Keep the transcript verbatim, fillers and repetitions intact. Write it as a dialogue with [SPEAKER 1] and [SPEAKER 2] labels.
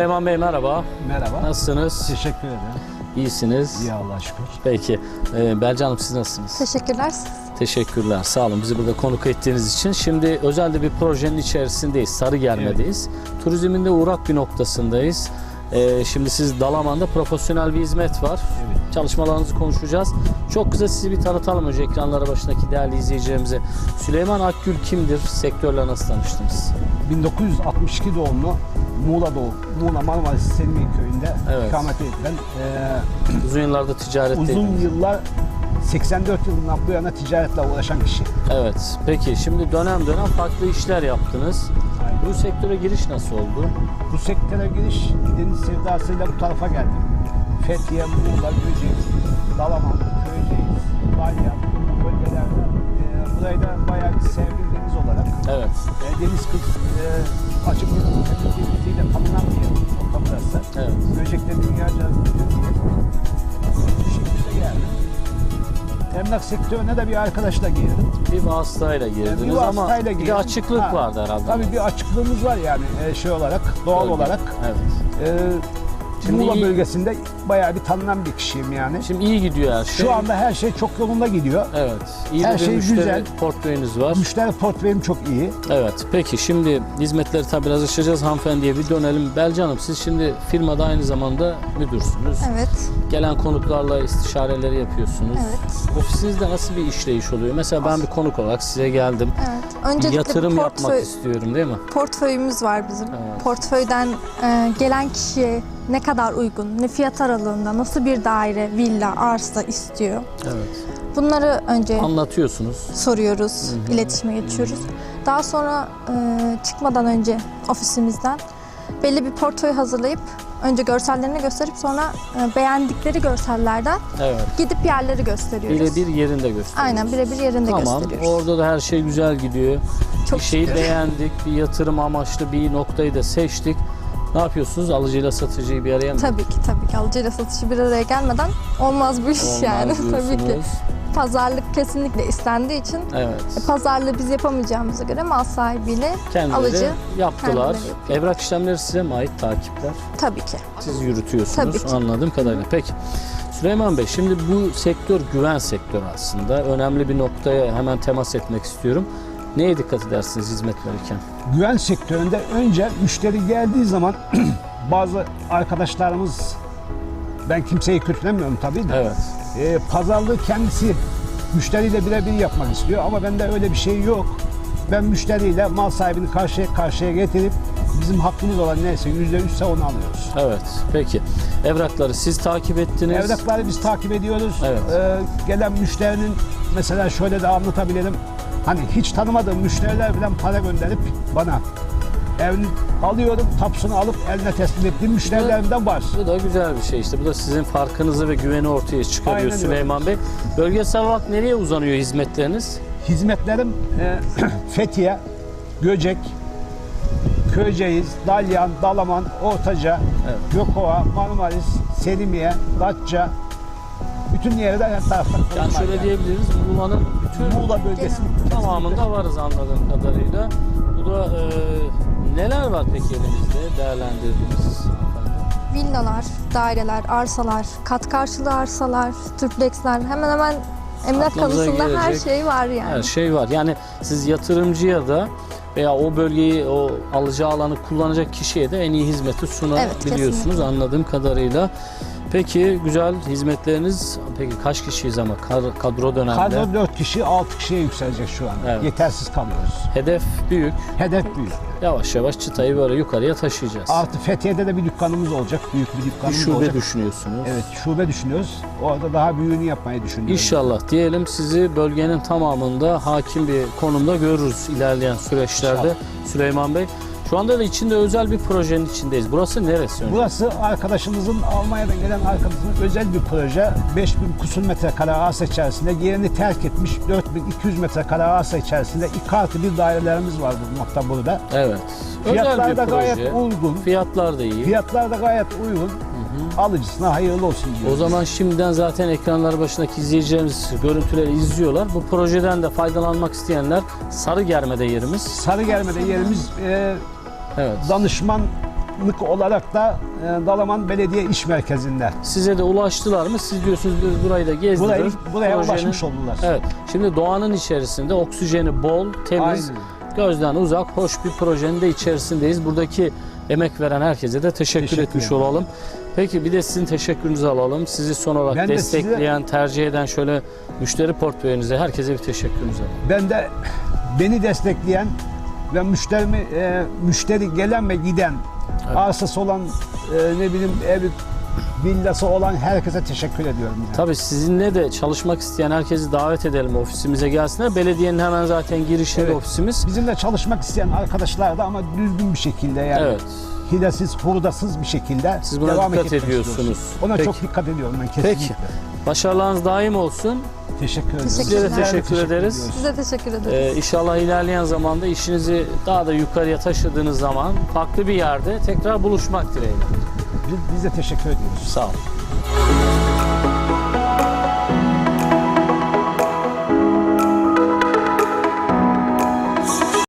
[SPEAKER 1] Süleyman Bey merhaba.
[SPEAKER 2] Merhaba.
[SPEAKER 1] Nasılsınız?
[SPEAKER 2] Teşekkür ederim.
[SPEAKER 1] İyisiniz.
[SPEAKER 2] İyi Allah'a şükür.
[SPEAKER 1] Peki. Ee, Belce Hanım siz nasılsınız?
[SPEAKER 3] Teşekkürler.
[SPEAKER 1] Teşekkürler. Sağ olun bizi burada konuk ettiğiniz için. Şimdi özel de bir projenin içerisindeyiz. Sarıgerme'deyiz. Evet. Turizmin de uğrak bir noktasındayız. Ee, şimdi siz Dalaman'da profesyonel bir hizmet var. Evet. Çalışmalarınızı konuşacağız. Çok kısa sizi bir tanıtalım önce ekranlara başındaki değerli izleyicilerimize. Süleyman Akgül kimdir? Sektörle nasıl tanıştınız?
[SPEAKER 2] bin dokuz yüz altmış iki doğumlu, Muğla doğum, Muğla Marmaris Selimiye köyünde evet. ikamet edilen
[SPEAKER 1] e, uzun yıllarda ticaret
[SPEAKER 2] uzun yıllar seksen dört yılından bu yana ticaretle uğraşan kişi.
[SPEAKER 1] Evet. Peki şimdi dönem dönem farklı işler yaptınız. Aynen. Bu sektöre giriş nasıl oldu?
[SPEAKER 2] Bu sektöre giriş deniz sevdasıyla bu tarafa geldim. Fethiye, Muğla, Göcek, Dalaman, Köyceğiz, Dalyan bu bölgelerde e, burayı da bayağı bir sevdim deniz olarak.
[SPEAKER 1] Evet.
[SPEAKER 2] E, deniz kız e, açık denizliğiyle tanınan bir yer orta burası.
[SPEAKER 1] Evet.
[SPEAKER 2] Göcek'te dünyaca bu şekilde geldim. Emlak sektörüne de bir arkadaşla girdim.
[SPEAKER 1] Bir vasıtayla girdiniz yani bir ama bir de açıklık ha, vardı herhalde.
[SPEAKER 2] Tabii bir açıklığımız var yani e, şey olarak, doğal Öyle. olarak. Evet. E, Şimdi Muğla iyi, bölgesinde bayağı bir tanınan bir kişiyim yani.
[SPEAKER 1] Şimdi iyi gidiyor her şey.
[SPEAKER 2] Şu anda her şey çok yolunda gidiyor.
[SPEAKER 1] Evet. İyi
[SPEAKER 2] her
[SPEAKER 1] bir
[SPEAKER 2] şey
[SPEAKER 1] müşteri
[SPEAKER 2] güzel.
[SPEAKER 1] Portföyünüz var.
[SPEAKER 2] Müşteri portföyüm çok iyi.
[SPEAKER 1] Evet. Peki şimdi hizmetleri tabii biraz açacağız. Hanımefendiye bir dönelim. Belce Hanım siz şimdi firmada aynı zamanda müdürsünüz.
[SPEAKER 3] Evet.
[SPEAKER 1] Gelen konuklarla istişareleri yapıyorsunuz.
[SPEAKER 3] Evet.
[SPEAKER 1] Ofisinizde nasıl bir işleyiş oluyor? Mesela ben bir konuk olarak size geldim.
[SPEAKER 3] Evet. Öncelikle
[SPEAKER 1] bir yatırım
[SPEAKER 3] bir
[SPEAKER 1] portföy, yapmak istiyorum değil mi?
[SPEAKER 3] Portföyümüz var bizim.
[SPEAKER 1] Evet.
[SPEAKER 3] Portföyden e, gelen kişiye ne kadar uygun, ne fiyat aralığında, nasıl bir daire, villa, arsa istiyor.
[SPEAKER 1] Evet.
[SPEAKER 3] Bunları önce
[SPEAKER 1] anlatıyorsunuz.
[SPEAKER 3] Soruyoruz,
[SPEAKER 1] Hı-hı.
[SPEAKER 3] iletişime geçiyoruz. Hı-hı. Daha sonra e, çıkmadan önce ofisimizden belli bir portföy hazırlayıp önce görsellerini gösterip sonra e, beğendikleri görsellerden evet. gidip yerleri gösteriyoruz.
[SPEAKER 1] Birebir yerinde gösteriyoruz.
[SPEAKER 3] Aynen birebir yerinde
[SPEAKER 1] tamam,
[SPEAKER 3] gösteriyoruz.
[SPEAKER 1] Tamam orada da her şey güzel gidiyor.
[SPEAKER 3] Çok
[SPEAKER 1] bir şeyi
[SPEAKER 3] şükür.
[SPEAKER 1] beğendik, bir yatırım amaçlı bir noktayı da seçtik. Ne yapıyorsunuz? Alıcıyla satıcıyı bir araya mı?
[SPEAKER 3] Tabii ki tabii ki. Alıcıyla satıcı bir araya gelmeden olmaz bu iş olmaz yani. Tabii ki. Pazarlık kesinlikle istendiği için
[SPEAKER 1] evet.
[SPEAKER 3] pazarlığı biz yapamayacağımıza göre mal sahibiyle
[SPEAKER 1] kendileri
[SPEAKER 3] alıcı
[SPEAKER 1] yaptılar. Evrak işlemleri size mi ait takipler?
[SPEAKER 3] Tabii ki.
[SPEAKER 1] Siz yürütüyorsunuz
[SPEAKER 3] tabii ki.
[SPEAKER 1] Anladığım kadarıyla. Peki Süleyman Bey şimdi bu sektör güven sektörü aslında. Önemli bir noktaya hemen temas etmek istiyorum. Neye dikkat edersiniz hizmet verirken?
[SPEAKER 2] Güven sektöründe önce müşteri geldiği zaman bazı arkadaşlarımız, ben kimseyi kötülemiyorum tabii de,
[SPEAKER 1] evet.
[SPEAKER 2] e, pazarlığı kendisi müşteriyle birebir yapmak istiyor ama bende öyle bir şey yok. Ben müşteriyle mal sahibini karşıya karşıya getirip bizim hakkımız olan neyse yüzde yüzse onu alıyoruz.
[SPEAKER 1] Evet. Peki. Evrakları siz takip ettiniz.
[SPEAKER 2] Evrakları biz takip ediyoruz.
[SPEAKER 1] Evet.
[SPEAKER 2] Ee, gelen müşterinin mesela şöyle de anlatabilirim. Hani hiç tanımadığım müşteriler falan para gönderip bana evini alıyorum, tapusunu alıp eline teslim ettiğim müşterilerimden var.
[SPEAKER 1] Bu da güzel bir şey işte. Bu da sizin farkınızı ve güveni ortaya çıkarıyor. Aynen Süleyman öyle. Bey. Bölgesel olarak nereye uzanıyor hizmetleriniz?
[SPEAKER 2] Hizmetlerim e, Fethiye, Göcek, Köyceğiz, Dalyan, Dalaman, Ortaca, evet. Gökova, Marmaris, Selimiye, Datça, bütün yerde her tarafta.
[SPEAKER 1] Yani şöyle yani. diyebiliriz, Muğla'nın bütün
[SPEAKER 2] Muğla bölgesinin
[SPEAKER 1] tamamında varız anladığım kadarıyla. Bu da e, neler var peki elimizde değerlendirdiğimiz?
[SPEAKER 3] Villalar, daireler, arsalar, kat karşılığı arsalar, tripleksler, hemen hemen emlak konusunda her şey var yani.
[SPEAKER 1] Her şey var. Yani siz yatırımcıya da veya o bölgeyi, o alacağı alanı kullanacak kişiye de en iyi hizmeti sunabiliyorsunuz evet, anladığım kadarıyla. Peki güzel hizmetleriniz. Peki kaç kişiyiz ama kadro dönemde?
[SPEAKER 2] Kadro dört kişi, altı kişiye yükselecek şu an. Evet. Yetersiz kalıyoruz.
[SPEAKER 1] Hedef büyük.
[SPEAKER 2] Hedef büyük.
[SPEAKER 1] Yavaş yavaş çıtayı böyle yukarıya taşıyacağız.
[SPEAKER 2] Artı Fethiye'de de bir dükkanımız olacak. Büyük bir dükkanımız
[SPEAKER 1] bir şube
[SPEAKER 2] olacak.
[SPEAKER 1] Şube düşünüyorsunuz.
[SPEAKER 2] Evet, şube düşünüyoruz. Orada daha büyüğünü yapmayı düşünüyoruz.
[SPEAKER 1] İnşallah diyelim sizi bölgenin tamamında hakim bir konumda görürüz ilerleyen süreçlerde. İnşallah. Süleyman Bey. Şu anda da içinde özel bir projenin içindeyiz. Burası neresi? Önce?
[SPEAKER 2] Burası arkadaşımızın, Almanya'dan gelen arkadaşımızın özel bir proje. beş bin kusur metrekare arsa içerisinde yerini terk etmiş dört bin iki yüz metrekare arsa içerisinde iki artı bir dairelerimiz var bulunmakta burada.
[SPEAKER 1] Evet.
[SPEAKER 2] Fiyatlar
[SPEAKER 1] özel
[SPEAKER 2] da
[SPEAKER 1] bir
[SPEAKER 2] gayet
[SPEAKER 1] proje.
[SPEAKER 2] uygun.
[SPEAKER 1] Fiyatlar da iyi.
[SPEAKER 2] Fiyatlar da gayet uygun. Hı hı. Alıcısına hayırlı olsun diyoruz.
[SPEAKER 1] O zaman şimdiden zaten ekranlar başındaki izleyicilerimiz görüntüleri izliyorlar. Bu projeden de faydalanmak isteyenler Sarıgerme'de yerimiz.
[SPEAKER 2] Sarıgerme'de yerimiz e,
[SPEAKER 1] evet.
[SPEAKER 2] danışman danışmanlık olarak da e, Dalaman Belediye İş Merkezi'nde.
[SPEAKER 1] Size de ulaştılar mı? Siz diyorsunuz biz burayı da gezdirir.
[SPEAKER 2] Burayı, buraya
[SPEAKER 1] Projenin-
[SPEAKER 2] ulaşmış oldular.
[SPEAKER 1] Evet. Şimdi doğanın içerisinde oksijeni bol, temiz,
[SPEAKER 2] Aynen.
[SPEAKER 1] gözden uzak, hoş bir projenin de içerisindeyiz. Buradaki emek veren herkese de teşekkür,
[SPEAKER 2] Teşekkür
[SPEAKER 1] etmiş
[SPEAKER 2] ederim.
[SPEAKER 1] olalım. Peki bir de sizin teşekkürünüzü alalım. Sizi son olarak
[SPEAKER 2] Ben de
[SPEAKER 1] destekleyen, tercih eden şöyle müşteri portföyünüze herkese bir teşekkürünüzü alalım.
[SPEAKER 2] Ben de beni destekleyen ve müşterimi, e, müşteri gelen ve giden,
[SPEAKER 1] Evet.
[SPEAKER 2] arsası olan, e, ne bileyim evi, villası olan herkese teşekkür ediyorum. Yani.
[SPEAKER 1] Tabii sizinle de çalışmak isteyen herkesi davet edelim ofisimize gelsinler. Belediyenin hemen zaten girişinde
[SPEAKER 2] Evet.
[SPEAKER 1] ofisimiz.
[SPEAKER 2] Bizimle çalışmak isteyen arkadaşlar da ama düzgün bir şekilde yani.
[SPEAKER 1] Evet.
[SPEAKER 2] Hilesiz, hurdasız bir şekilde
[SPEAKER 1] Siz buna
[SPEAKER 2] devam
[SPEAKER 1] dikkat
[SPEAKER 2] etmek
[SPEAKER 1] ediyorsunuz.
[SPEAKER 2] istiyoruz. Ona
[SPEAKER 1] Peki.
[SPEAKER 2] çok dikkat ediyorum ben kesinlikle.
[SPEAKER 1] Peki. Başarılarınız daim olsun.
[SPEAKER 2] Teşekkür ederim.
[SPEAKER 3] Size de
[SPEAKER 1] teşekkür
[SPEAKER 2] Teşekkür
[SPEAKER 1] ederiz.
[SPEAKER 2] ediyoruz.
[SPEAKER 3] Size teşekkür ederiz.
[SPEAKER 1] Ee, inşallah ilerleyen zamanda işinizi daha da yukarıya taşıdığınız zaman farklı bir yerde tekrar buluşmak dileğiyle.
[SPEAKER 2] Biz, biz de teşekkür ediyoruz.
[SPEAKER 1] Sağ olun.